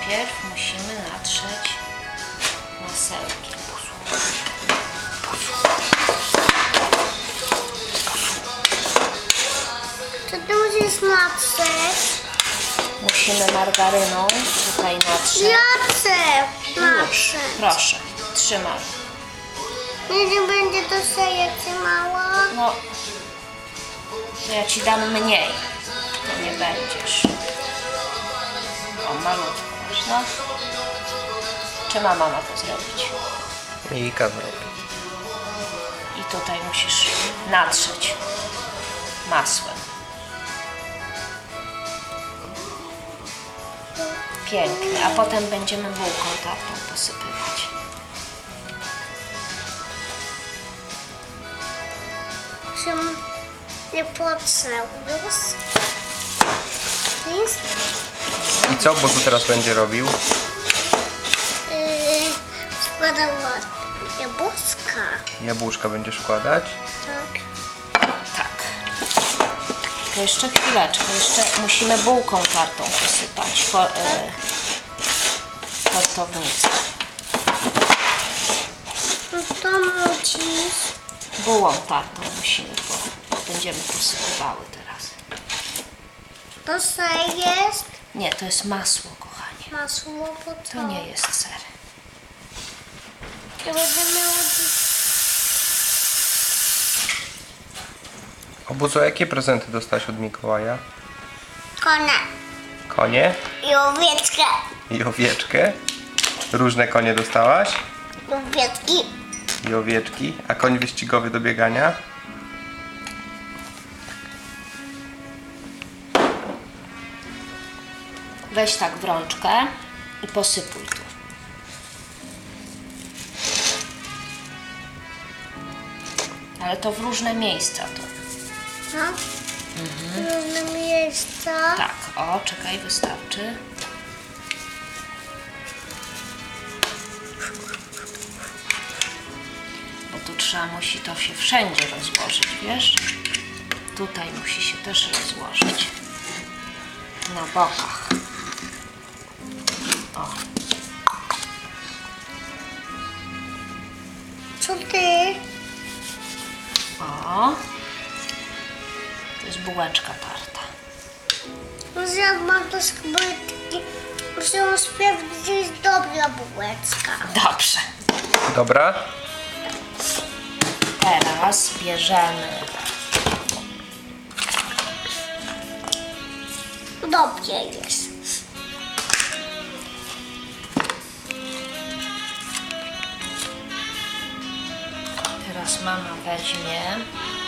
najpierw musimy natrzeć masełkiem. To ty musisz natrzeć. Musimy margaryną tutaj natrzeć. Natrzeć. Już, proszę, trzymaj. Nie będzie to seja trzymała. No, to ja ci dam mniej. To nie będziesz. O, malutko masz, no. Czy mama ma to zrobić? Mika zrobi. I tutaj musisz natrzeć masłem. Pięknie, a potem będziemy bułką tartą posypywać. Się nie potrzeb. Jest? I co Bozu teraz będzie robił? Składała jabłuszka. Jabłuszka będziesz wkładać? Tak. Tak. To jeszcze chwileczkę, jeszcze musimy bułką tartą posypać tortownicę. No to musisz. Bułą tartą musimy, bo będziemy posypywały teraz. To ser jest. Nie, to jest masło, kochanie. Masło, bo To nie jest ser. Ja będę miała... O Bozu, jakie prezenty dostałaś od Mikołaja? Konia. Konie I owieczkę. i owieczkę. Różne konie dostałaś? Owieczki. I owieczki. A koń wyścigowy do biegania? Weź tak w rączkę i posypuj tu. Ale to w różne miejsca tu. No. Różne miejsca. Tak, o, czekaj, wystarczy. Bo tu musi to się wszędzie rozłożyć, wiesz? Tutaj musi się też rozłożyć. Na bokach. O, Co ty? o. To jest bułeczka tarta. Zjadłam to skrytki. Muszę sprawdzić, że jest dobra bułeczka. Dobrze. Dobra? Teraz bierzemy Dobrze jest. Teraz mama weźmie